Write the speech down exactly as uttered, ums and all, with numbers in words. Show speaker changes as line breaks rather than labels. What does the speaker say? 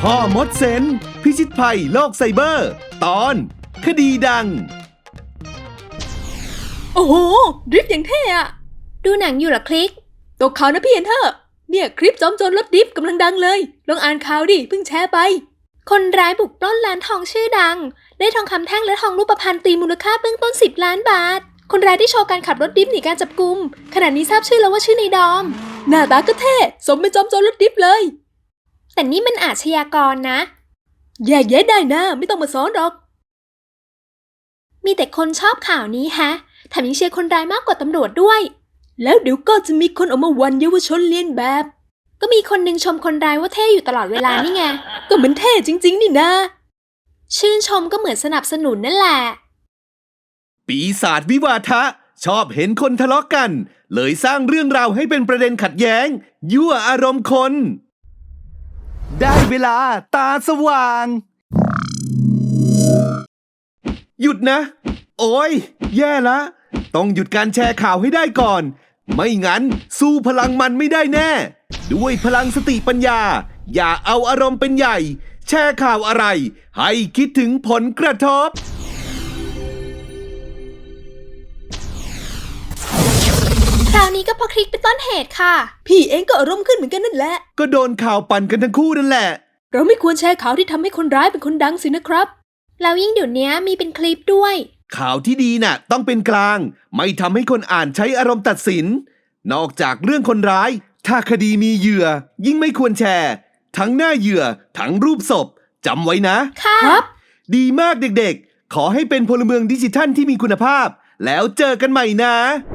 พ่อมดเซนพิชิตภัยโลกไซเบอร์ ตอนคดีดัง
โอ้โหดริฟต์อย่างเท่อะ
ดูหนังอยู่เหรอคลิก
ตกข่าวนะพี่เอนเธอร์เนี่ยคลิปจอมโจรรถดริฟต์กำลังดังเลยลองอ่านข่าวดิเพิ่งแชร์ไป
คนร้ายบุกปล้นร้านทองชื่อดังได้ทองคำแท่งและทองรูปพรรณตีมูลค่าเบื้องต้นสิบล้านบาทคนร้ายที่โชว์การขับรถดริฟต์หนีการจับกุมขณะนี้ทราบชื่อแล้วว่าชื่อในดอม
หน้าตาก็เท่สมเป็นจอมโจรรถดริฟต์เลย
แต่นี่มันอาชญากรนะ
แยกแยะได้นะไม่ต้องมาสอนหรอก
มีแต่คนชอบข่าวนี้ฮะแถมยังเชียร์คนร้ายมากกว่าตำรวจด้วย
แล้วเดี๋ยวก็จะมีคนออกมาวันเยาวชนเลียนแบบ
ก็มีคนนึงชมคนร้ายว่าเท่อยู่ตลอดเวลานี่ไง
ก็เหมือนเท่จริงๆนี่นะ
ชื่นชมก็เหมือนสนับสนุนนั่นแหละ
ปีศาจวิวาทะชอบเห็นคนทะเลาะกันเลยสร้างเรื่องราวให้เป็นประเด็นขัดแย้งยั่วอารมณ์คนได้เวลาตาสว่างหยุดนะโอ้ยแย่ละต้องหยุดการแชร์ข่าวให้ได้ก่อนไม่งั้นสู้พลังมันไม่ได้แน่ด้วยพลังสติปัญญาอย่าเอาอารมณ์เป็นใหญ่แชร์ข่าวอะไรให้คิดถึงผลกระทบ
คราวนี้ก็เพราะคลิกเป็นต้นเหตุค่ะ
พี่เองก็อารมณ์ขึ้นเหมือนกันนั่นแหละ
ก็โดนข่าวปั่นกันทั้งคู่นั่นแหละ
เราไม่ควรแชร์ข่าวที่ทำให้คนร้ายเป็นคนดังสินะครับ
แล้วยิ่งเดี๋ยวนี้มีเป็นคลิปด้วย
ข่าวที่ดีน่ะต้องเป็นกลางไม่ทำให้คนอ่านใช้อารมณ์ตัดสินนอกจากเรื่องคนร้ายถ้าคดีมีเหยื่อยิ่งไม่ควรแชร์ทั้งหน้าเหยื่อทั้งรูปศพจำไว้นะ
ครับ
ดีมากเด็กๆขอให้เป็นพลเมืองดิจิทัลที่มีคุณภาพแล้วเจอกันใหม่นะ